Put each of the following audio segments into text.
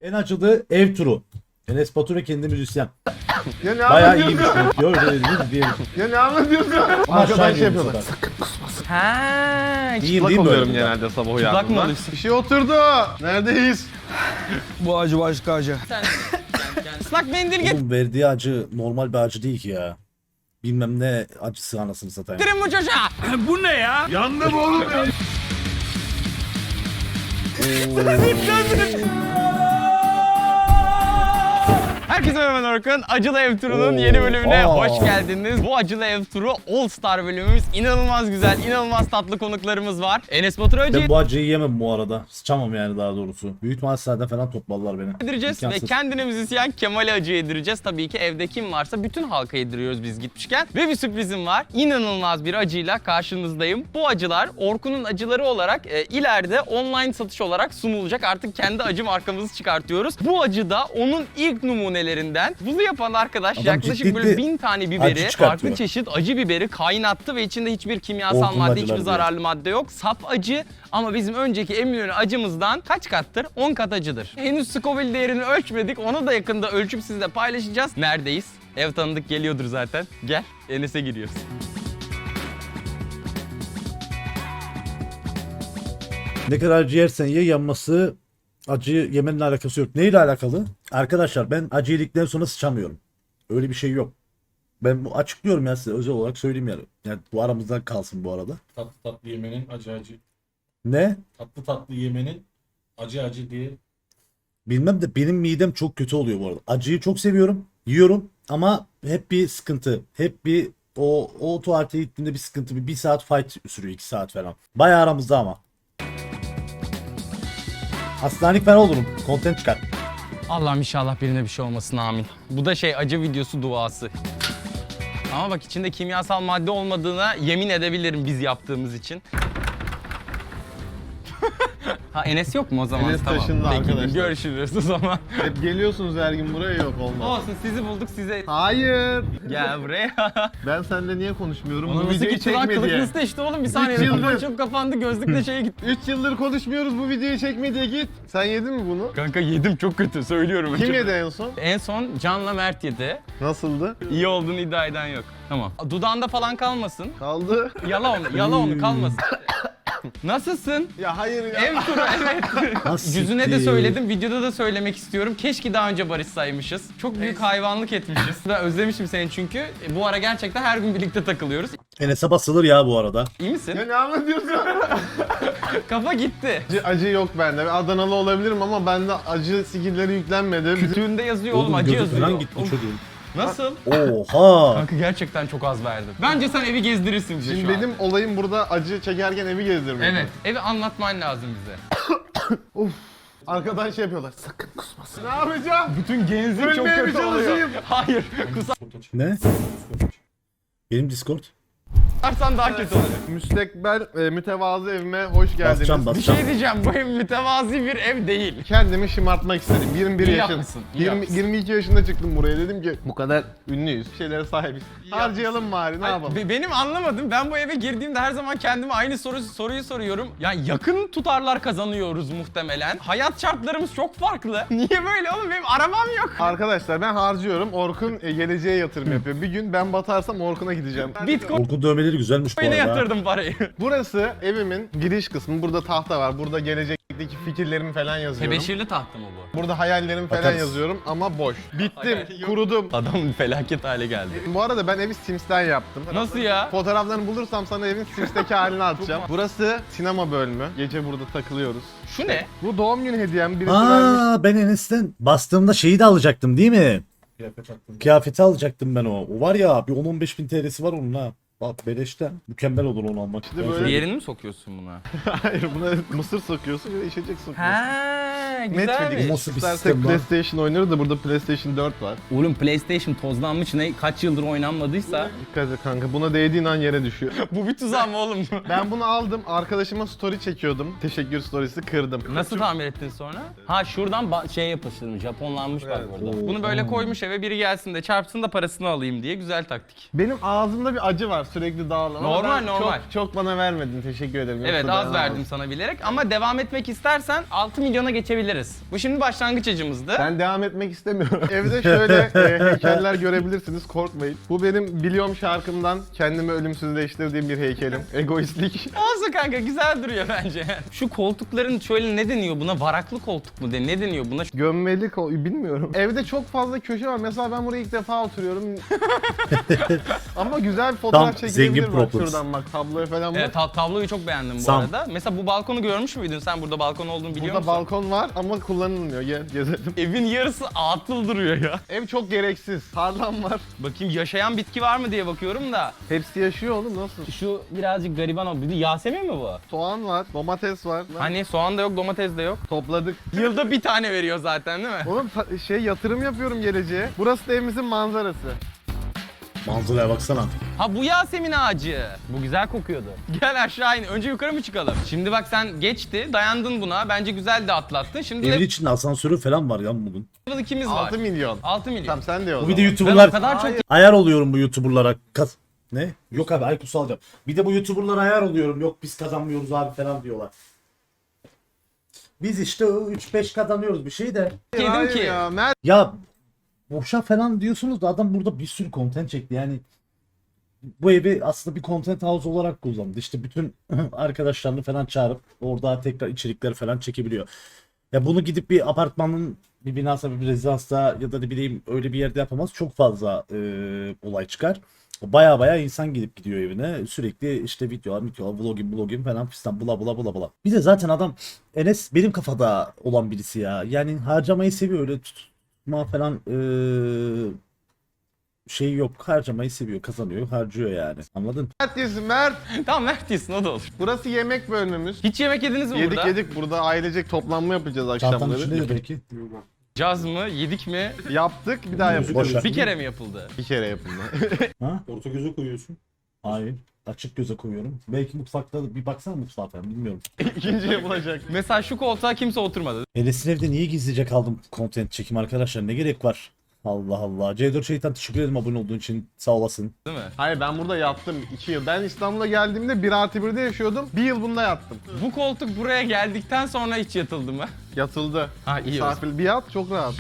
En acılı ev turu. Enes Batur ve kendi müzisyen. Ya ne Bayağı anlatıyorsun? iyiymiş. Diyor öyle dediniz diyelim. Ya ne anlatıyorsun? Ama Arkadan aşağı şey iniyor bu yapıyorlar. sefer. Ha, İyiyim Çıplak değil mi oluyorum böyle? genelde sabah mı uyandığımda. oluyorsun? Bir şey oturdu. Neredeyiz? Bu acı başka acı. Islak mendil Oğlum verdiği acı normal bir acı değil ki ya. Bilmem ne acısı anasını satayım. getirin bu çocuğa. Bu ne ya? Yandım oğlum. Herkese merhaba Orkun. Acılı Ev Turu'nun yeni bölümüne Oo. hoş geldiniz. Bu Acılı Ev Turu All Star bölümümüz. İnanılmaz güzel, inanılmaz tatlı konuklarımız var. Enes Batur Hacı Ben bu acıyı yemem bu arada. Sıçamam yani daha doğrusu. Büyük mahalleden falan topladılar beni. yedireceğiz ve İmkansız. kendine müzisyen Kemal'e acı yedireceğiz. Tabii ki evde kim varsa bütün halka yediriyoruz biz gitmişken. Ve bir sürprizim var. İnanılmaz bir acıyla karşınızdayım. Bu acılar Orkun'un acıları olarak ileride online satış olarak sunulacak. Artık kendi acı markamızı çıkartıyoruz. Bu acı da onun ilk numunelerinden. Bunu yapan arkadaş Adam yaklaşık ciddi böyle bir 1000 tane acı biberi, çıkartıyor. farklı çeşit acı biberi kaynattı ve içinde hiçbir kimyasal Orkun'un madde, acıları hiçbir diyor. zararlı madde yok. Saf acı ama bizim önceki Eminönü acımızdan kaç kattır? 10 kat acıdır. Henüz Scoville değerini ölçmedik. Onu da yakında ölçüp sizle paylaşacağız. Neredeyiz? Ev tanıdık geliyordur zaten. Gel, Enes'e giriyoruz. Ne kadar acı yersen ye yanması acı yemenle alakası yok. Neyle alakalı? Arkadaşlar ben acı yedikten sonra sıçamıyorum. Öyle bir şey yok. Ben bu açıklıyorum ya size özel olarak söyleyeyim yani. Yani bu aramızda kalsın bu arada. Tatlı tatlı yemenin acı acı. Ne? Tatlı tatlı yemenin acı acı diye. Bilmem de benim midem çok kötü oluyor bu arada. Acıyı çok seviyorum. Yiyorum ama hep bir sıkıntı. Hep bir o tuvalete gittiğimde bir sıkıntı. Bir saat fight sürüyor 2 saat falan. Bayağı aramızda ama. Hastanelik falan olurum. Content çıkar. Allah'ım inşallah birine bir şey olmasın, amin. Bu da acı videosu duası. Ama bak içinde kimyasal madde olmadığına yemin edebilirim biz yaptığımız için. Ha Enes yok mu o zaman? Enes Tamam. taşındı Peki, arkadaşlar. görüşürüz o zaman. Hep geliyorsunuz her gün buraya, yok olmaz. Olsun, sizi bulduk, size Hayır. gel buraya. Ben seninle niye konuşmuyorum? Onu Bu nasıl videoyu gitti lan? çekme Kılık diye. nasıl değişti oğlum? Bir saniye. yıldır. Mikrofon çok kapandı, gözlükle şeye gitti. 3 yıldır konuşmuyoruz, bu videoyu çekme diye git. Sen yedin mi bunu? Kanka yedim, çok kötü söylüyorum. Kim yedi en son? En son Can'la Mert yedi. Nasıldı? İyi olduğunu iddia eden yok. Tamam. Dudağında falan kalmasın. Kaldı. Yala onu kalmasın. Nasılsın? Ya hayır ya. Ev turu, evet. Nasıl Yüzüne de siktir? söyledim, videoda da söylemek istiyorum. Keşke daha önce barışsaymışız. Çok büyük hayvanlık etmişiz. Ben özlemişim seni çünkü. Bu ara gerçekten her gün birlikte takılıyoruz. Enes'e basılır ya bu arada. İyi misin? Ya ne anlatıyorsun? Kafa gitti. Acı yok bende. Ben Adanalı olabilirim ama bende acı skill'leri yüklenmedi. Kütüğünde yazıyor oğlum, acı gözü yazıyor. falan gitti Oğlum, çocuğun. Nasıl? Oha. Kanka gerçekten çok az verdim. Bence sen evi gezdirirsin bize Şimdi şu an. benim olayım burada acı çekerken evi gezdirmek. Evet, evi anlatman lazım bize. Arkadan şey yapıyorlar. Sakın kusmasın. Ne yapacağım? Bütün genzim çok Ölmeye mi kötü oluyor. çalışayım? Hayır, Ne? Benim Discord. kusarsan daha kötü olur. Müstekbel mütevazı evime hoş geldiniz. Basacağım Bir basacağım. şey diyeceğim, bu ev mütevazi bir ev değil. Kendimi şımartmak istedim. 21 İyi yaşın. yapmışsın, iyi yapmışsın. 22 yaşında çıktım buraya. Dedim ki bu kadar ünlüyüz. Bir şeylere sahibiz. Harcayalım bari, ne yapalım? Benim anlamadım. Ben bu eve girdiğimde her zaman kendime aynı soruyu soruyorum. Ya yakın tutarlar kazanıyoruz muhtemelen. Hayat şartlarımız çok farklı. Niye böyle oğlum? Benim arabam yok. Arkadaşlar ben harcıyorum. Orkun geleceğe yatırım yapıyor. Bir gün ben batarsam Orkun'a gideceğim. Bitcoin'e Orkun dövmeleri güzelmiş bu arada. yatırdım parayı. Burası evimin giriş kısmı. Burada tahta var. Burada gelecekteki fikirlerimi falan yazıyorum. Tebeşirli tahta mı bu? Burada hayallerimi falan Bakarız. yazıyorum ama boş. Bittim, Hayal yok. kurudum. Adam felaket hale geldi. Bu arada ben evi Sims'ten yaptım. Nasıl ya? Fotoğraflarını bulursam sana evin Sims'teki halini atacağım. Burası sinema bölümü. Gece burada takılıyoruz. Şu ne? Bu doğum günü hediyem. Birisi vermiş. Aa ben Enes'ten bastığımda şeyi de alacaktım değil mi? Kıyafet attın. Kıyafeti alacaktım ben o. O var ya bir 10-15 bin TL'si var onun ha. Bak beleşten. Mükemmel olur onu almak. İşte Ben böyle- söyleyeyim. Diğerini mi sokuyorsun buna? Hayır, buna mısır sokuyorsun ve içecek sokuyorsun. Ha, Netflix. güzelmiş. Nasıl bir İstersek sistem lan? PlayStation oynarız da burada PlayStation 4 var. Oğlum PlayStation tozlanmış, ne kaç yıldır oynanmadıysa. Dikkat et kanka, buna değdiğin an yere düşüyor. Bu bir tuzak mı oğlum? Ben bunu aldım, arkadaşıma story çekiyordum. Teşekkür storiesi, kırdım. Nasıl tamir ettin sonra? Ha şuradan şey yapıştırmış, Japonlanmış bak burada. Bunu böyle koymuş eve, biri gelsin de çarpsın da parasını alayım diye, güzel taktik. Benim ağzımda bir acı var sürekli dağılan. Ama Normal, ben normal. Çok bana vermedin, teşekkür ederim. Evet, Yoksa az dayanamam. verdim sana bilerek ama devam etmek istersen 6 milyona geçebiliriz. yapabiliriz. Bu şimdi başlangıç acımızdı. Ben devam etmek istemiyorum. Evde şöyle heykeller görebilirsiniz, korkmayın. Bu benim biliyorum şarkımdan kendimi ölümsüzleştirdiğim bir heykelim. Egoistlik. Olsun kanka, güzel duruyor bence. Şu koltukların şöyle ne deniyor buna? Varaklı koltuk mu de? Ne deniyor buna? Gömmeli bilmiyorum. Evde çok fazla köşe var. Mesela ben buraya ilk defa oturuyorum. Ama güzel bir fotoğraf Tam çekilebilir zengin bak problems. şuradan bak. Tabloya falan bak. Evet, tabloyu çok beğendim bu Sam. arada. Mesela bu balkonu görmüş müydün? Sen burada balkon olduğunu biliyor Burada musun? balkon var ama kullanılmıyor. Gel gezelim. Evin yarısı atıl duruyor ya. Ev çok gereksiz. Tarlam var. Bakayım yaşayan bitki var mı diye bakıyorum da. Hepsi yaşıyor oğlum nasıl? Şu birazcık gariban oldu. Bir de Yasemin mi bu? Soğan var, domates var. Hani soğan da yok, domates de yok. Topladık. Yılda bir tane veriyor zaten değil mi? Oğlum yatırım yapıyorum geleceğe. Burası da evimizin manzarası. Manzaraya baksana. Ha bu Yasemin ağacı. Bu güzel kokuyordu. Gel aşağı in. Önce yukarı mı çıkalım? Şimdi bak sen geçti, dayandın buna. Bence güzel de atlattın. Şimdi Evin level içinde asansörü falan var ya bunun. 2'miz var. 6 milyon. 6 milyon. Tamam sen de o Bu zaman. bir de Ben YouTuber'lar o kadar çok Hayır. ayar oluyorum bu YouTuber'lara. Ne? Yok abi Aykut'u alacağım. Bir de bu YouTuber'lara ayar oluyorum. Yok biz kazanmıyoruz abi falan diyorlar. Biz işte 3-5 kazanıyoruz bir şey de. dedim Hayır ki ya, Mert Ya boşa falan diyorsunuz da adam burada bir sürü content çekti yani. Bu evi aslında bir content house olarak kullandı. İşte bütün arkadaşlarını falan çağırıp orada tekrar içerikler falan çekebiliyor. Ya bunu gidip bir apartmanın bir binasında bir rezidansta ya da ne bileyim öyle bir yerde yapamaz. Çok fazla olay çıkar. Baya insan gidip gidiyor evine. Sürekli işte videolar, vlogim falan fistan bula bula. Bir de zaten adam Enes benim kafada olan birisi ya. Yani harcamayı seviyor öyle tutma falan şey yok. Harcamayı seviyor, kazanıyor, harcıyor yani. Anladın? Mert yesin Mert. tamam Mert yesin, o da olur. Burası yemek bölümümüz. Hiç yemek yediniz mi Yedik burada? yedik burada ailecek toplanma yapacağız Çantanın akşamları. içinde de belki. Caz mı? Yedik mi? Yaptık bir daha Boş yapacağız. ver. Bir kere mi yapıldı? Bir kere yapıldı. Ha? Orta göze koyuyorsun. Hayır. Açık göze koyuyorum. Belki mutfakta bir baksana mutfağa falan bilmiyorum. İkinci yapılacak. Mesela şu koltuğa kimse oturmadı. Enes'in evde niye gizlice kaldım content çekim arkadaşlar? Ne gerek var? Allah Allah. C4 Şeytan teşekkür ederim abone olduğun için. Sağ olasın. Değil mi? Hayır ben burada yattım 2 yıl. Ben İstanbul'a geldiğimde 1+1'de yaşıyordum. 1 yıl bunda yattım. Bu koltuk buraya geldikten sonra hiç yatıldı mı? Yatıldı. Ha iyi o zaman. Misafir bir yat çok rahat.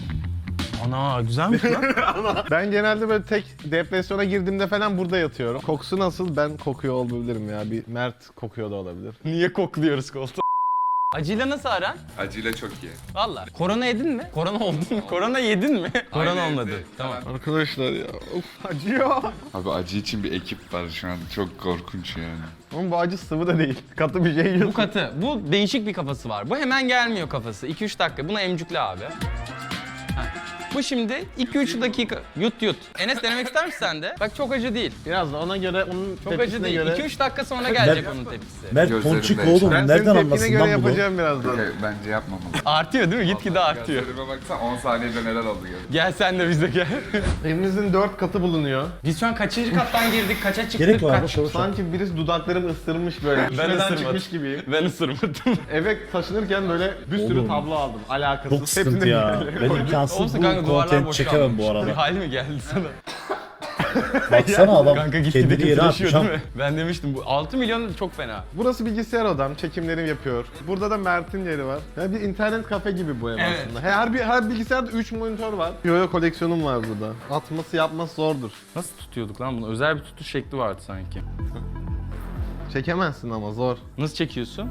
Ana güzelmiş lan. Ben genelde böyle tek depresyona girdiğimde falan burada yatıyorum. Kokusu nasıl? Ben kokuyor olabilirim ya. Bir Mert kokuyor da olabilir. Niye kokluyoruz koltuğu? Acıyla nasıl aran? Acıyla çok iyi. Valla. Korona yedin mi? Korona oldun mu? Korona yedin mi? Korona Aynı olmadı. evde. Tamam. Arkadaşlar ya of acıyor. Abi acı için bir ekip var şu an. Çok korkunç yani. Ama bu acı sıvı da değil. Katı bir şey Bu yiyorsun. katı. Bu değişik bir kafası var. Bu hemen gelmiyor kafası. 2-3 dakika. Buna emcükle abi. Ha. Bu şimdi 2-3 dakika. Yut. Enes denemek ister misin sen de? Bak çok acı değil. Biraz da ona göre onun Çok acı tepkisine değil. göre. 2-3 dakika sonra gelecek onun tepkisi. Mert Gözlerimde Ponçik yaşar. oğlum. Ben senin Nereden tepkine anlasın göre lan bunu? yapacağım birazdan. Bence yapmamalı. Artıyor değil mi? Gitgide artıyor. Gözlerime baksan 10 saniyede neler oldu gör. Gel sen de bize gel. Evimizin 4 katı bulunuyor. Biz şu an kaçıncı kattan girdik? Kaça çıktık? Gerek var mı? Kaç? Sanki birisi dudaklarımı ısırmış böyle. Üstünden ısırmadım. çıkmış gibiyim. Ben ısırmadım. Eve taşınırken böyle bir sürü Oğlum. tablo aldım. Alakasız. Çok sıkıntı ya. Ben imkansız Olsun bu kanka, duvarlar content boş çekemem kalmış. bu arada. Bir hal mi geldi sana? Baksana adam Kanka gitgide kendini yere kötüleşiyor atmış. değil mi? Ben demiştim bu 6 milyon çok fena. Burası bilgisayar odam. Çekimlerimi yapıyor. Burada da Mert'in yeri var. Ya bir internet kafe gibi bu ev Evet. aslında. Her bilgisayarda 3 monitör var. Yo koleksiyonum var burada. Atması yapması zordur. Nasıl tutuyorduk lan bunu? Özel bir tutuş şekli vardı sanki. Çekemezsin ama zor. Nasıl çekiyorsun?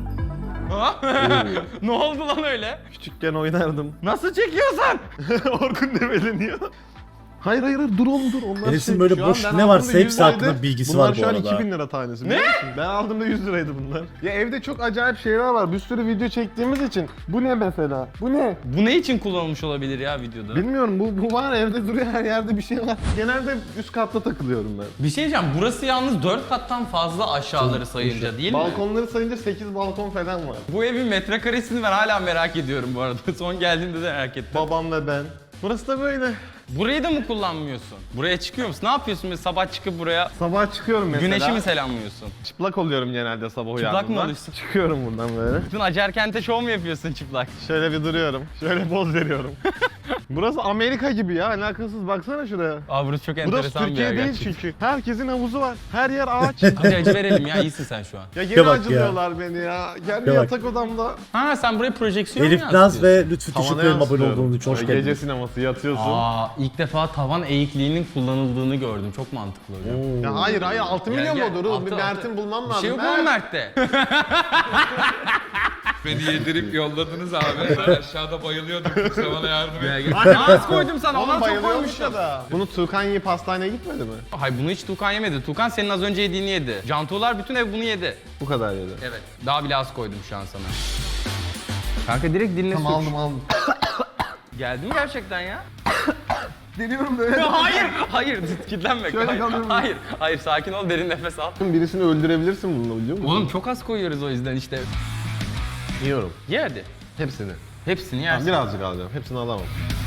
Ne oldu lan öyle? Küçükken oynardım. Nasıl çekiyorsun? Orkun demeleniyor. Hayır dur oğlum dur. Onlar Enes'in böyle şu an boş ben ne varsa aldığımda 100 hepsi hakkında liraydı. bilgisi Bunlar var bu şu an arada. 2000 lira tanesi. Ne? Ben aldığımda 100 liraydı bunlar. Ya evde çok acayip şeyler var. Bir sürü video çektiğimiz için. Bu ne mesela? Bu ne? Bu ne için kullanılmış olabilir ya videoda? Bilmiyorum bu var evde duruyor her yerde bir şey var. Genelde üst katta takılıyorum ben. Bir şey diyeceğim. Burası yalnız 4 kattan fazla aşağıları sayınca değil mi? Balkonları sayınca 8 balkon falan var. Bu evin metrekaresini ben hala merak ediyorum bu arada. Son geldiğimde de merak ettim. Babam ve ben. Burası da böyle. Burayı da mı kullanmıyorsun? Buraya çıkıyor musun? Ne yapıyorsun? Böyle sabah çıkıp buraya Sabah çıkıyorum mesela. güneşi mi selamlıyorsun? Çıplak oluyorum genelde sabah mı uyandığımda. oluyorsun? Çıkıyorum buradan böyle. Bütün Acarkent'e şov mu yapıyorsun çıplak? Şöyle bir duruyorum. Şöyle poz veriyorum. Burası Amerika gibi ya, alakasız, baksana şuraya. Aa burası çok Burası enteresan bir yer Türkiye değil gerçekten. çünkü. Herkesin havuzu var. Her yer ağaç. Hadi acı verelim ya, iyisin sen şu an. Ya Ya gene bak acılıyorlar beni ya. Kendi Ya bak. yatak odamda. Ha sen buraya projeksiyon mu Elif Naz yansıtıyorsun? ve Lütfü Tavana teşekkür ederim abone yansıtıyorum. olduğunuz için. Hoş Böyle geldiniz. Gece sineması yatıyorsun. Aa ilk defa tavan eğikliğinin kullanıldığını gördüm. Çok mantıklı hocam. Ya hayır 6 Gel, milyon gel. mu? Dur Altı, bir altı. Mert'in bulmam Bir lazım. şey yok mu Mert'te? Beni yedirip yolladınız abi. Ben aşağıda bayılıyordum. Kimse bana yardım et. Az koydum sana, Oğlum ondan çok bayılıyormuş koymuşum. ya da. Bunu Tuğkan yiyip hastaneye gitmedi mi? Hayır bunu hiç Tuğkan yemedi. Tuğkan senin az önce yediğini yedi. Cantuğlar bütün ev bunu yedi. Bu kadar yedi. Evet. Daha bile az koydum şu an sana. Kanka direkt diline sür. aldım. Geldi mi gerçekten ya? Deniyorum böyle. Hayır, hayır, kilitlenme. Şöyle Hayır, kalıyorum. hayır, sakin ol, derin nefes al. Birisini öldürebilirsin bununla, biliyor musun? Oğlum çok az koyuyoruz o yüzden işte. Yiyorum. Ye hadi. Hepsini. Hepsini Tamam, yersin. birazcık alacağım. Hepsini alamam.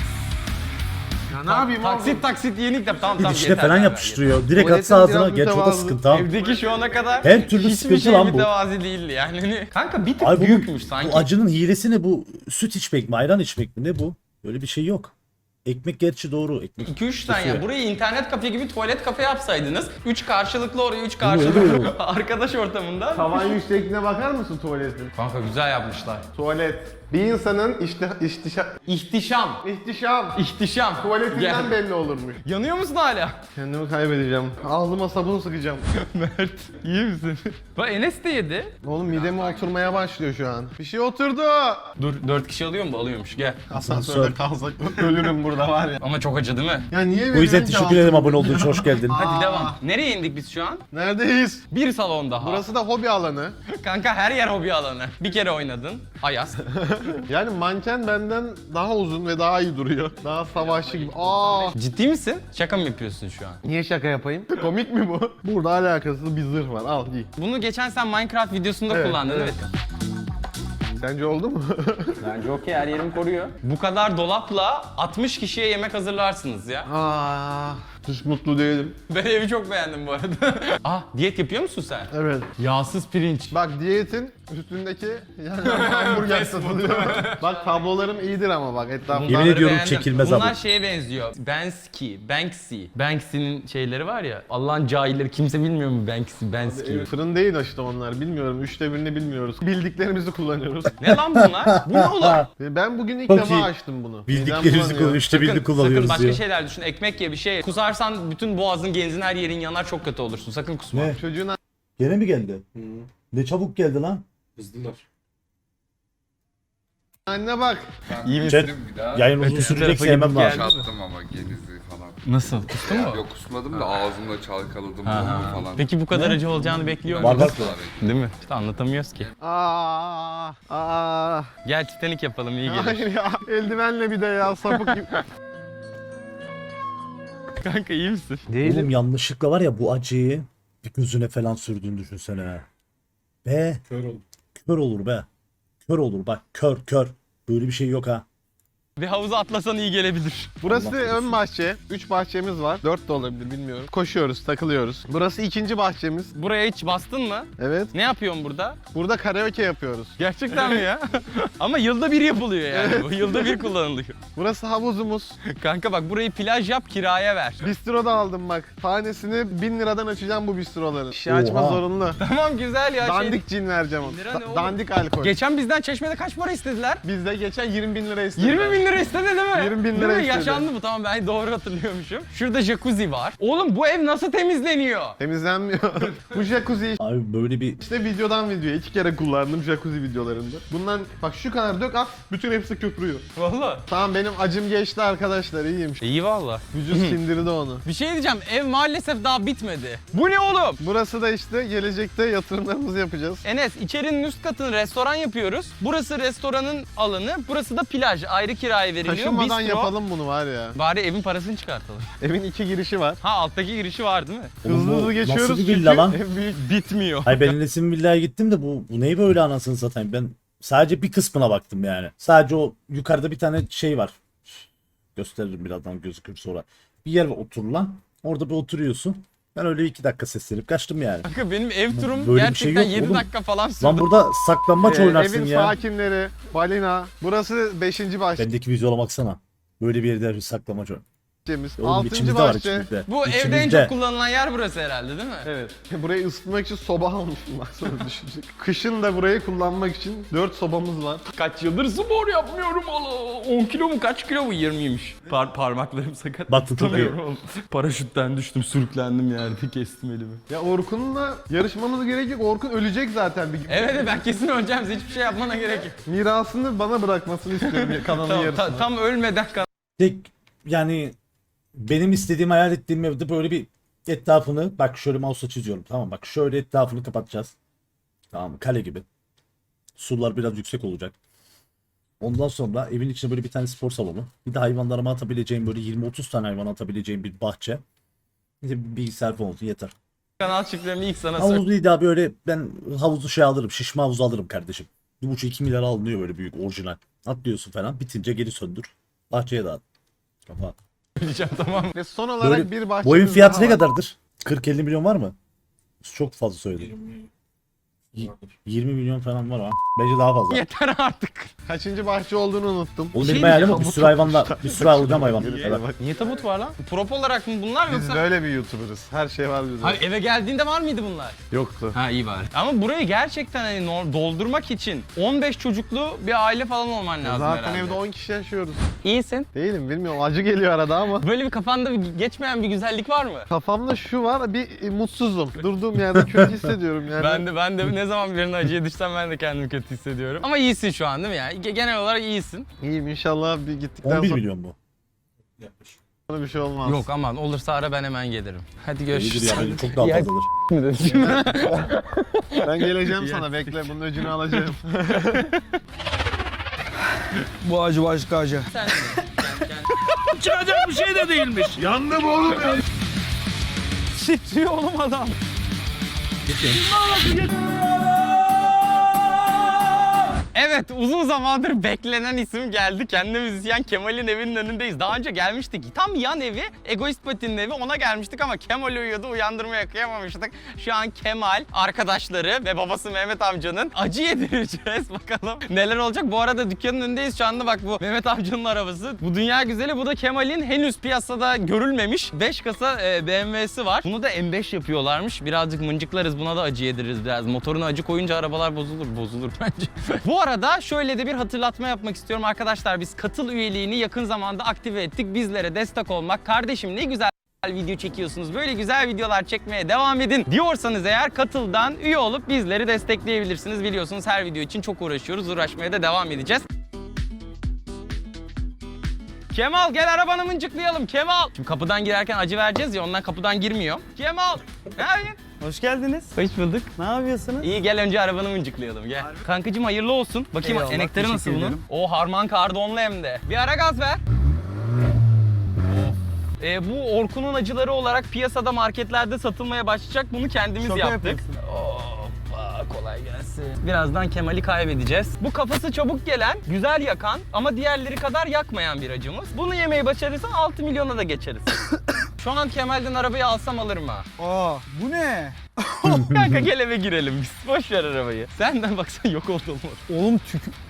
Ya ne yapayım Taksit yenik de tamam tamam Dişine yeter. falan yeter, yapıştırıyor. Direkt Tuvaletin atsa ağzına. biraz Gerçi o da mütevazı. sıkıntı abi. Evdeki şu ana kadar Her türlü hiçbir sıkıntı şey lan bu. mütevazi değildi yani. Hani, kanka bir tık Ay bu, büyükmüş sanki. bu acının hilesi ne bu? Süt içmek mi? Ayran içmek mi? Ne bu? Öyle bir şey yok. Ekmek gerçi doğru. Ekmek. 2-3 tane Kesiyor. yani. Burayı internet kafe gibi tuvalet kafe yapsaydınız. 3 karşılıklı oraya 3 öyle karşılıklı olur. arkadaş ortamında. Tavan yüksekliğine bakar mısın tuvaletin? Kanka güzel yapmışlar. Tuvalet. Bir insanın İhtişam. ihtişam tuvaletinden Gel. belli olurmuş. Yanıyor musun hala? Kendimi kaybedeceğim. Ağzıma sabun sıkacağım. Mert iyi misin? Bak Enes de yedi. Oğlum mideme oturmaya başlıyor şu an. Bir şey oturdu. Dur 4 kişi alıyor mu? Alıyormuş gel. Asansörde kalsak ölürüm burada var ya. Ama çok acı değil mi? Ya niye O yüzden veriyorsun ki teşekkür ederim altını? abone olduğun için. Hoş geldin. Hadi devam. Nereye indik biz şu an? Neredeyiz? Bir salon daha. Burası da hobi alanı. Kanka her yer hobi alanı. Bir kere oynadın. Ayaz. Yani manken benden daha uzun ve daha iyi duruyor. Daha savaşçı gibi. Ciddi misin? Şaka mı yapıyorsun şu an? Niye şaka yapayım? Komik mi bu? Burada alakasız bir zırh var. Al giy. Bunu geçen sen Minecraft videosunda Evet, kullandın evet. değil mi? Sence oldu mu? Bence okey, her yerimi koruyor. Bu kadar dolapla 60 kişiye yemek hazırlarsınız ya. Hiç mutlu değilim. Ben evi çok beğendim bu arada. Diyet yapıyor musun sen? Evet. Yağsız pirinç. Bak diyetin üstündeki yani hamburger satılıyor. Bak tablolarım iyidir ama bak etrafında. Yemin ediyorum Beğendim. çekilmez Bunlar abi. şeye benziyor. Banksy. Banksy'nin şeyleri var ya. Allah'ın cahilleri, kimse bilmiyor mu Banksy? Fırın değil işte onlar, bilmiyorum. 1/3'ünü bilmiyoruz. Bildiklerimizi kullanıyoruz. Ne lan bunlar? Bu ne oğlum? Ben bugün ilk Çok defa iyi. açtım bunu. Bildiklerimizi Midem bulanıyor. işte bildik Sakın kullanıyoruz başka diyor. şeyler düşün. Ekmek ye bir şey. Kusarsan bütün boğazın, genzin, her yerin yanar, çok kötü olursun. Sakın kusma. Ne? Çocuğun Gene mi geldi? Ne çabuk geldi lan. Hızlılar. anne bak. İyi misin? Chat, Bir daha yayın uzun Öteki sürecek tarafa sevmem gidip lazım. geldi. çattım ama genizi falan. Nasıl? Kustun mu? Yok kusmadım da ağzımla çalkaladım Ha. bunu falan. Peki bu kadar acı olacağını bekliyor Var muydun? var. Değil mi? İşte anlatamıyoruz ki. Gel Titanic yapalım, iyi gelir. Hayır ya. Eldivenle bir de ya sapık gibi. Kanka iyi misin? Oğlum yanlışlıkla var ya bu acıyı bir gözüne falan sürdüğünü düşünsene. Ha. Be Kör oldu. kör olur be. Kör olur bak kör. Böyle bir şey yok ha. Bir havuza atlasan iyi gelebilir. Burası Allah ön bahçe. 3 bahçemiz var. 4 de olabilir bilmiyorum. Koşuyoruz, takılıyoruz. Burası ikinci bahçemiz. Buraya hiç bastın mı? Evet. Ne yapıyorsun burada? Burada karaoke yapıyoruz. Gerçekten mi ya? Ama yılda bir yapılıyor yani bu. Yılda bir kullanılıyor. Burası havuzumuz. Kanka bak burayı plaj yap, kiraya ver. Bistro da aldım bak. Tanesini 1000 liradan açacağım bu bistroları. Şişe açma Oha. zorunlu. Tamam güzel ya. Dandik cin vereceğim ona. Lira ne oğlum? Dandik alkol. Geçen bizden Çeşme'de kaç para istediler? Biz de geçen 20.000 lira istedik. 20 bin lira istedi değil mi? 20 bin Değil lira mi? istedi. Yaşandı bu, tamam ben doğru hatırlıyormuşum. Şurada jacuzzi var. Oğlum bu ev nasıl temizleniyor? Temizlenmiyor. Bu jacuzzi Abi böyle bir işte videodan videoya 2 kere kullandım jacuzzi videolarında. Bundan bak şu kadar dök at, bütün hepsi köpürüyor. Valla. Tamam benim acım geçti arkadaşlar, iyiyim. İyi valla. Vücut sindirdi onu. Bir şey diyeceğim, ev maalesef daha bitmedi. Bu ne oğlum? Burası da işte gelecekte yatırımlarımızı yapacağız. Enes, içerinin üst katını restoran yapıyoruz. Burası restoranın alanı, burası da plaj. Ayrı kiraya veriliyor. Taşınmadan Bistro. yapalım bunu var ya. Bari evin parasını çıkartalım. Evin 2 girişi var. Ha alttaki girişi var değil mi? Oğlum bu Hızlı geçiyoruz nasıl bir villa lan? ev büyük. Bitmiyor. Hayır ben Enes'in villaya gittim de bu neyi böyle anasını satayım. Ben sadece bir kısmına baktım yani. Sadece o yukarıda bir tane şey var. Gösteririm birazdan gözükür sonra. Bir yer var oturulan. Orada bir oturuyorsun. Ben öyle 2 dakika seslenip kaçtım yani. Kanka benim ev turum Böyle bir şey gerçekten yok 7 oğlum. dakika falan sürdü. Lan burada saklambaç oynarsın Evin ya. sakinleri, balina. Burası 5. bahçe. Bendeki vizyona baksana. Böyle bir yerde bir saklamacı. bahçemiz. Oğlum 6. içimizde var bahçe. içimizde. Bu evde en İçimizde. çok kullanılan yer burası herhalde değil mi? Evet. Burayı ısıtmak için soba almışım baksana düşünecek. Kışın da burayı kullanmak için 4 sobamız var. Kaç yıldır spor yapmıyorum Allah. 10 kilo mu kaç kilo mu 20'ymiş. Parmaklarım sakat. Bak, tutuyor. Tutamıyorum oğlum. Paraşütten düştüm sürüklendim yerde kestim elimi. Ya Orkun'la yarışmamız gerek yok. Orkun ölecek zaten bir gün. Evet ben kesin öleceğim. Hiçbir şey yapmana gerek yok. Mirasını bana bırakmasını istiyorum kanalın Tamam, yarısını. tam ölmeden Tek yani benim istediğim, hayal ettiğim evde böyle bir etrafını, bak şöyle mouse'la çiziyorum, tamam, bak şöyle etrafını kapatacağız. Tamam mı? Kale gibi. Sular biraz yüksek olacak. Ondan sonra evin içine böyle bir tane spor salonu. Bir de hayvanlarıma atabileceğim böyle 20-30 tane hayvan atabileceğim bir bahçe. Bir de bir bilgisayar falan olsun yeter. kanal şifremi ilk sana söyle. Havuzlu daha böyle ben havuzu şey alırım. Şişme havuzu alırım kardeşim. 1,5-2 milyara alınıyor böyle büyük orijinal. Atlıyorsun falan. Bitince geri söndür. Bahçeye dağıt. Kafa. Söyleyeceğim tamam. Ve son olarak Böyle, bir bahçemiz bu evin fiyatı daha ne var. kadardır? 40-50 milyon var mı? Çok fazla söyledim. 20 vardır. 20 milyon falan var ama. Bence daha fazla. Yeter artık. Kaçıncı bahçe olduğunu unuttum. Oğlum Şey benim hayalim o. diyeceğim, Bir sürü hayvanla, bir sürü alacağım hayvan. Yere bak. Niye tabut var lan? Prop olarak mı bunlar Biz yoksa? böyle bir YouTuber'ız. Her şey var bizde. Hayır eve geldiğinde var mıydı bunlar? Yoktu. Ha iyi bari. Ama burayı gerçekten hani doldurmak için 15 çocuklu bir aile falan olman lazım Zaten herhalde. evde 10 kişi yaşıyoruz. İyisin. Değilim bilmiyorum. Acı geliyor arada ama. Böyle bir kafanda bir geçmeyen bir güzellik var mı? Kafamda şu var, bir mutsuzum. Durduğum yerde kötü hissediyorum yani. Ben de ne zaman birine acıya düşsem ben de kendimi kötü hissediyorum. Ama iyisin şu an değil mi ya? Genel olarak iyisin. İyiyim inşallah, bir gittikten 11 sonra milyon bu. Yaklaşık. bir şey olmaz. Yok aman olursa ara ben hemen gelirim. Hadi İyidir görüşürüz. ya, bence çok daha fazladır. Ben geleceğim sana, bekle, bunun öcünü alacağım. Bu acı başka acı. Sen de. Çıkacak bir şey de değilmiş. Yandım oğlum ya. Titriyor oğlum adam. Evet uzun zamandır beklenen isim geldi. Kendi müzisyen Kemal'in evinin önündeyiz. Daha önce gelmiştik. Tam yan evi, Egoist Pati'nin evi, ona gelmiştik ama Kemal uyuyordu, uyandırmaya kıyamamıştık. Şu an Kemal, arkadaşları ve babası Mehmet amcanın acı yedireceğiz. Bakalım neler olacak. Bu arada dükkanın önündeyiz şu anda, bak bu Mehmet amcanın arabası. Bu dünya güzeli, bu da Kemal'in henüz piyasada görülmemiş 5 kasa BMW'si var. Bunu da M5 yapıyorlarmış. Birazcık mıncıklarız, buna da acı yediririz biraz. Motoruna acı koyunca arabalar bozulur bence. Bu arada şöyle de bir hatırlatma yapmak istiyorum arkadaşlar. Biz katıl üyeliğini yakın zamanda aktive ettik. Bizlere destek olmak, kardeşim ne güzel video çekiyorsunuz, böyle güzel videolar çekmeye devam edin diyorsanız eğer katıldan üye olup bizleri destekleyebilirsiniz. Biliyorsunuz her video için çok uğraşıyoruz, uğraşmaya da devam edeceğiz. Kemal gel arabanı mıncıklayalım Kemal. Şimdi kapıdan girerken acı vereceğiz ya, ondan kapıdan girmiyor. Kemal ne yapıyorsun? Hoş geldiniz. Hoş bulduk. Ne yapıyorsunuz? İyi gel önce arabanı mıncıklayalım gel. Kankacığım hayırlı olsun. Bakayım Eyvallah, enektarı nasıl teşekkür bunun? ederim. O harman kardonlu hem de. Bir ara gaz ver. Bu Orkun'un acıları olarak piyasada, marketlerde satılmaya başlayacak. Bunu kendimiz Şaka yaptık. yapıyorsun. Hoppa kolay gelsin. Birazdan Kemal'i kaybedeceğiz. Bu kafası çabuk gelen, güzel yakan ama diğerleri kadar yakmayan bir acımız. Bunu yemeyi başarırsan 6 milyona da geçeriz. Şu an Kemal'den arabayı alsam alırım ha. Aa, bu ne? Kanka gel eve girelim biz. Boş ver arabayı. Senden baksana yok oldu olmadı. Oğlum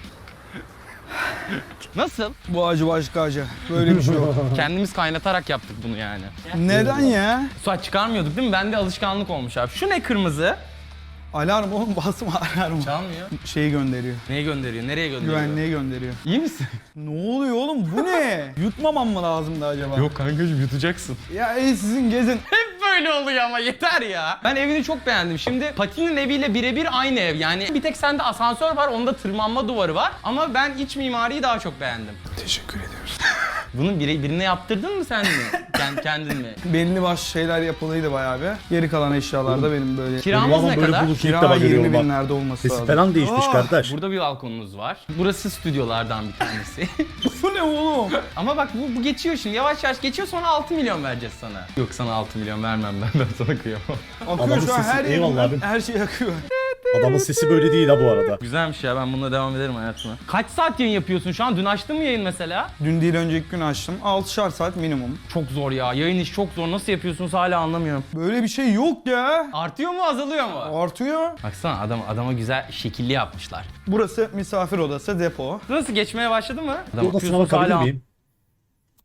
Nasıl? Bu acı başka acı. Böyle bir şey yok. Kendimiz kaynatarak yaptık bunu yani. Neden ya? Saç çıkarmıyorduk değil mi? Bende alışkanlık olmuş abi. Şu ne kırmızı? Alarm oğlum, basma alarm. Çalmıyor. Şeyi gönderiyor. Neyi gönderiyor? Nereye gönderiyor? Güvenliğe gönderiyor. İyi misin? Ne oluyor oğlum, bu ne? Yutmamam mı lazımdı acaba? Yok kankacığım yutacaksın. Ya iyi, sizin gezin. Hep böyle oluyor ama yeter ya. Ben evini çok beğendim. Şimdi Pati'nin eviyle birebir aynı ev. Yani bir tek sende asansör var, onda tırmanma duvarı var. Ama ben iç mimariyi daha çok beğendim. Teşekkür ediyoruz. Bunu birine yaptırdın mı sen mi? Kendin mi? Belli başlı şeyler yapılıydı bayağı bir. Geri kalan eşyalar da benim böyle. Kiramız ne böyle kadar? bulut ilk Kira defa 20 görüyorum bak. binlerde olması Sesi lazım. falan değişmiş kardeş. Burada bir balkonumuz var. Burası stüdyolardan bir tanesi. Bu ne oğlum? Ama bak bu geçiyor şimdi, yavaş yavaş geçiyor, sonra 6 milyon vereceğiz sana. Yok sana 6 milyon vermem ben sana kıyamam. Akıyor Adamın şu an, sesi- her eyvallah yerimden abi. her şey akıyor. Adamın sesi böyle değil ha bu arada. Güzelmiş ya, ben bununla devam ederim hayatıma. Kaç saat yayın yapıyorsun şu an? Dün açtın mı yayın mesela? Dün değil önceki gün açtım. 6'şar saat minimum. Çok zor ya, yayın iş çok zor. Nasıl yapıyorsunuz hala anlamıyorum. Böyle bir şey yok ya. Artıyor mu azalıyor mu? Artıyor. Baksana adama güzel şekilli yapmışlar. Burası misafir odası, depo. Nasıl geçmeye başladı mı? Odasına bakabilir miyim?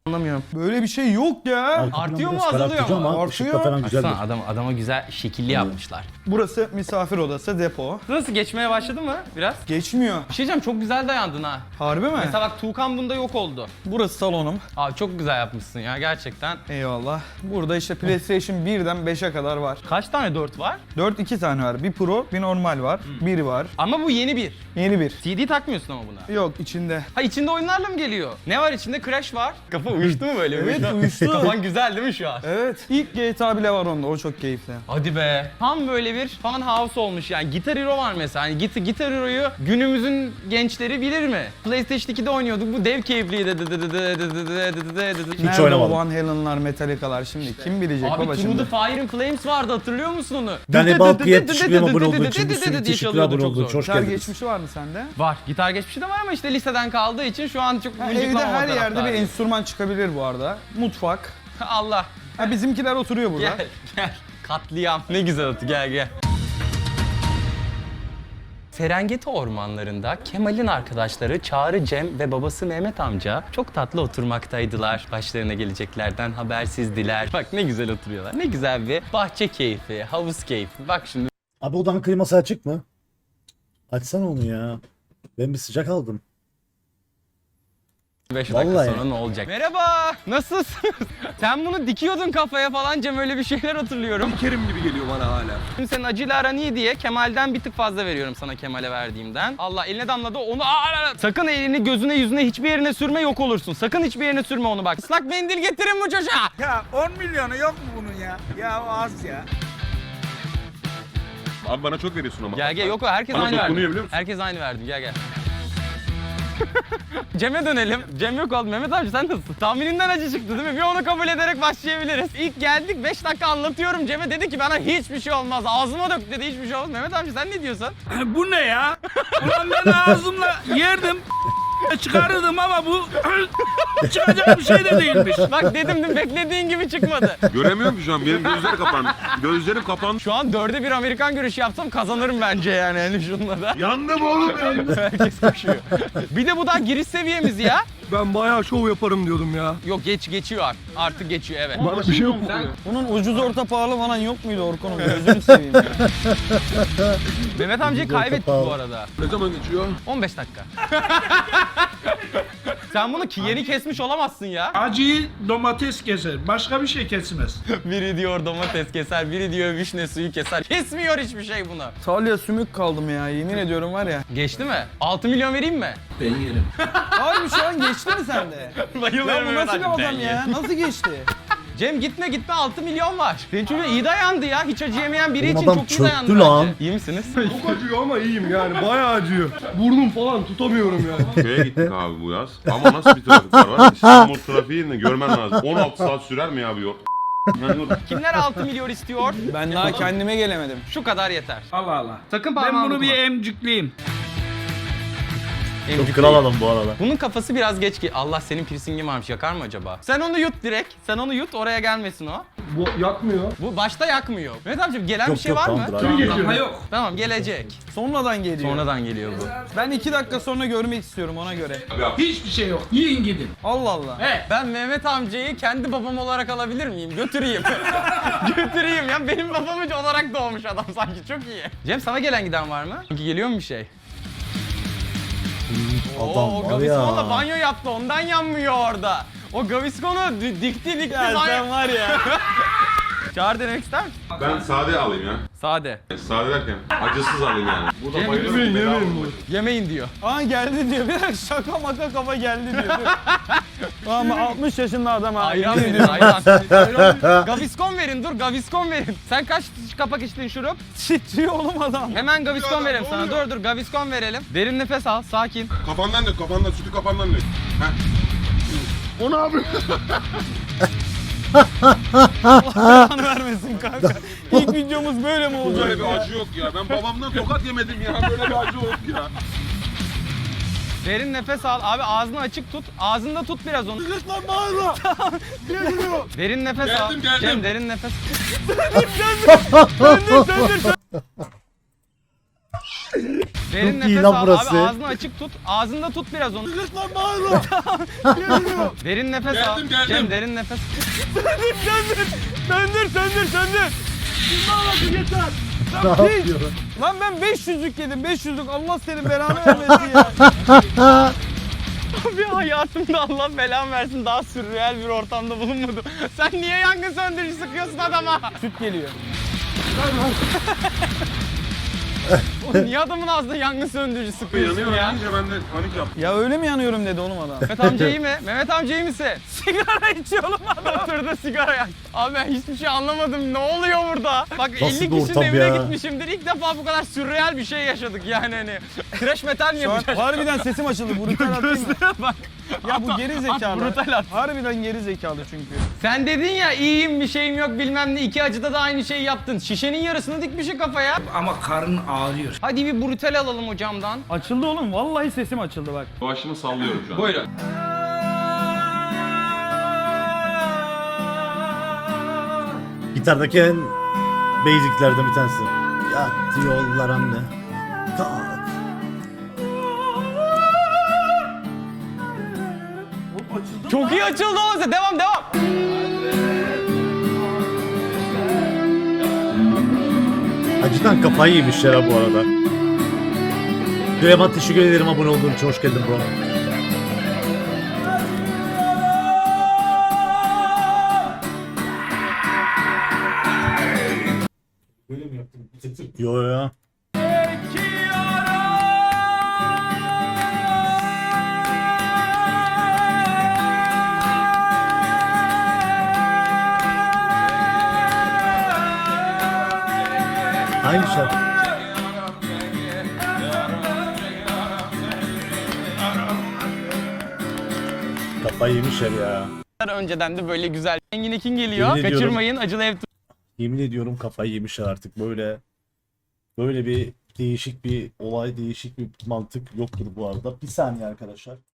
Anlamıyorum. Böyle bir şey yok ya. Arka Artıyor plan mu, biraz azalıyor karartıcı mu? ama Artıyor. ışıkla falan güzeldir. Baksana adama güzel şekilli yapmışlar. Burası misafir odası, depo. Nasıl geçmeye başladı mı biraz? Geçmiyor. Bir şey diyeceğim, çok güzel dayandın ha. Harbi mi? Mesela bak Tuğkan bunda yok oldu. Burası salonum. Abi çok güzel yapmışsın ya gerçekten. Eyvallah. Burada işte PlayStation 1'den 5'e kadar var. Kaç tane 4 var? 2 tane var. Bir Pro, bir normal var. Bir var. Ama bu yeni bir. Yeni bir. CD takmıyorsun ama buna. Yok içinde. Ha içinde oyunlarla mı geliyor? Ne var içinde? Crash var. Kafa uyuştu mu böyle? Evet, uyuştu. Kafan güzel değil mi şu an? Evet. İlk GTA bile var onda. O çok keyifli. Hadi be. Tam böyle bir fan house olmuş yani. Guitar Hero var mesela. Yani Guitar Hero'yu günümüzün gençleri bilir mi? PlayStation 2'de oynuyorduk. Bu dev keyifliydi. Hiç Nerede oynamadım. o Van Halen'lar, Metallica'lar şimdi? Kim bilecek Abi baba Through şimdi? the Fire and Flames vardı, hatırlıyor musun onu? Ben Ebal Piyet teşekkür abone olduğu için bir sürü diye teşekkür çalıyordu, abone çok olduğu zor. için hoş Gitar geldiniz. geçmişi var mı sende? Var. Gitar geçmişi de var ama işte liseden kaldığı için şu an çok Ha, müzik evde bulamamak her yerde bir taraftarıyım. enstrüman çıkabilir bu arada. Mutfak. Allah. Ha, bizimkiler oturuyor burada. Gel gel. Katliam. Ne güzel atı, gel gel. Serengeti ormanlarında Kemal'in arkadaşları Çağrı, Cem ve babası Mehmet amca çok tatlı oturmaktaydılar. Başlarına geleceklerden habersizdiler. Bak ne güzel oturuyorlar. Ne güzel bir bahçe keyfi, havuz keyfi. Bak şimdi Abi odanın kliması açık mı? Açsana onu ya. Ben bir sıcak aldım. 5 dakika Vallahi. sonra ne olacak? Merhaba, nasılsınız? Sen bunu dikiyordun kafaya falan Cem, öyle bir şeyler hatırlıyorum. Kerim gibi geliyor bana hala. Şimdi senin acıyla aran iyi diye Kemal'den bir tık fazla veriyorum sana, Kemal'e verdiğimden. Allah, eline damladı onu. Sakın elini gözüne yüzüne hiçbir yerine sürme, yok olursun. Sakın hiçbir yerine sürme onu bak. Islak mendil getirin bu çocuğa. Ya 10 milyonu yok mu bunun ya? Ya az ya. Abi bana çok veriyorsun ama. Gel yok o, herkes Bana aynı dokunuyor verdi. biliyor musun? Herkes aynı verdim, gel. Cem'e dönelim. Cem yok oldu. Mehmet abi sen nasılsın? Tahmininden acı çıktı değil mi? Bir onu kabul ederek başlayabiliriz. İlk geldik 5 dakika anlatıyorum Cem'e, dedi ki bana hiçbir şey olmaz. Ağzıma dök dedi, hiçbir şey olmaz. Mehmet abi sen ne diyorsun? Bu ne ya? Ulan ben ağzımla yerdim. Çıkarırdım ama bu çıkacak bir şey de değilmiş. Bak dedim dün, beklediğin gibi çıkmadı. Göremiyorum ki şu an. Benim gözler kapandı. Gözlerim kapandı. Şu an 4'e 1 Amerikan görüşü yapsam kazanırım bence yani, hani şunla da. Yandım oğlum ben. Herkes koşuyor. Bir de bu daha giriş seviyemiz ya. Ben bayağı şov yaparım diyordum ya. Yok geçiyor artık geçiyor, evet. Bana bir şey yok mu? Bunun ucuz orta pahalı falan yok muydu Orkun'um? Gözünü seveyim ya. Mehmet amcayı kaybettik bu arada. Ne zaman geçiyor? 15 dakika. Sen bunu yeni kesmiş olamazsın ya. Acıyı domates keser. Başka bir şey kesmez. Biri diyor domates keser, biri diyor vişne suyu keser. Kesmiyor hiçbir şey bunu. Salya sümük kaldım ya, yemin ediyorum var ya. Geçti mi? 6 milyon vereyim mi? Ben yerim. Abi şu an geçti mi sende? Ya Bayılıyorum bu nasıl bir adam ya? Nasıl geçti? Cem gitme 6 milyon var. Senin çocuğun iyi dayandı ya. Hiç acı yemeyen biri Oğlum için adam çok iyi çöktü dayandı lan. bence. İyi misiniz? Çok acıyor ama iyiyim yani. Bayağı acıyor. Burnum falan tutamıyorum yani. Köye gittik abi bu yaz. Ama nasıl bir trafik var? İstanbul trafiğini görmen lazım. 16 saat sürer mi ya bir yol? Kimler 6 milyon istiyor? Ben daha kendime gelemedim. Şu kadar yeter. Allah Allah. Sakın Ben parmağını bunu bir dokunma. emcikleyeyim. Emcik Kral değil. adam bu arada. Bunun kafası biraz geç ki. Allah, senin piercingin varmış, yakar mı acaba? Sen onu yut direkt. Sen onu yut, oraya gelmesin o. Bu yakmıyor. Bu başta yakmıyor. Mehmet amcım gelen Yok, bir şey yok, var mı? tamamdır abi. Daha yok. Tamam, gelecek. Sonradan geliyor. Sonradan geliyor bu. Ben 2 dakika sonra görmek istiyorum ona göre. Hiçbir şey yok. Yiyin gidin. Allah Allah. Ben Mehmet amcayı kendi babam olarak alabilir miyim? Götüreyim. Götüreyim ya. Benim babam olarak doğmuş adam sanki. Çok iyi. Cem, sana gelen giden var mı? Çünkü geliyor mu bir şey? Adam O var Gaviscon'la ya. banyo yaptı. Ondan yanmıyor orada. O Gaviscon'u dikti Ya banyo. sen var ya. Çağır, denemek ister misin? Ben sade alayım ya. Sade. Sade derken acısız alayım yani. Burada Yemin- bayılıyorum. bedava bu. Yemeyin diyor. Aa geldi diyor. Bir dakika şaka maka kafa geldi diyor. Ama 60 yaşında adam abi. Ayran verin, ayran. Gaviscon verin, dur Gaviscon verin. Sen kaç kapak içtin şurup? Titriyor oğlum adam. Hemen Gaviscon verelim sana. Dur Gaviscon verelim. Derin nefes al, sakin. Kafandan dök, kafandan. Sütü kafandan dök. Heh. O ne yapıyor? Allah'ını vermesin kanka. İlk videomuz böyle mi olacak? Böyle bir acı yok ya. Ben babamdan tokat yemedim ya. Böyle bir acı yok ya. Derin nefes al. Abi ağzını açık tut. Ağzında tut biraz onu. Derin nefes al. Geldim. Cem, derin nefes. Derin Çok iyi nefes lan al burası. abi, ağzını açık tut. Ağzında tut biraz onu. Derin nefes al. Geldim, geldim. Cem derin nefes. Söndür. Ne yapıyor? Lan ben 500'lük yedim 500'lük. Allah senin belanı vermesin ya. Abi hayatımda Allah belamı versin daha sürreal bir ortamda bulunmadım. Sen niye yangın söndürücü sıkıyorsun adama? Süt geliyor. Oğlum niye adamın ağzında yangın söndürücü sıkıyorsun Yanıyor ya? deyince ben de panik yaptım. Ya öyle mi yanıyorum dedi oğlum adam. Mehmet amca iyi mi? Mehmet amca iyi misin? Sigara içiyor oğlum adam. Oturdu sigara yak. Abi ben hiçbir şey anlamadım. Ne oluyor burada? Bak Nasıl 50 bir kişinin ortam evine ya? gitmişimdir. İlk defa bu kadar sürreal bir şey yaşadık yani hani. Trash metal mi Şu an yapacağız? harbiden sesim açıldı. Brutal atayım mı? Bak. Ya bu geri zekalı. brutal at. Harbiden geri zekalı çünkü. Sen dedin ya iyiyim bir şeyim yok bilmem ne. İki acıda da aynı şeyi yaptın. Şişenin yarısını dikmişsin kafaya. Ama karın ağrıyor. Hadi bir brutal alalım hocamdan. Açıldı oğlum. Vallahi sesim açıldı bak. Başımı sallıyorum şu an. Buyurun. Gitardaki en basiclerden bir tanesi. Yattı yollar anne. Kalk. Çok iyi açıldı olsa devam. Acıdan kafayı yemişler ha bu arada. Süleyman teşekkür ederim abone olduğun için. Hoş geldin bro. Böyle mi yaptın? Bitirdim. Yo ya. Aynı şarkı. Kafayı yemişler ya. Önceden de böyle güzel. Engin Ekin geliyor. Yemin ediyorum. Kaçırmayın. Acılı ev Yemin ediyorum kafayı yemişler artık. Böyle bir değişik bir olay, değişik bir mantık yoktur bu arada. Bir saniye arkadaşlar.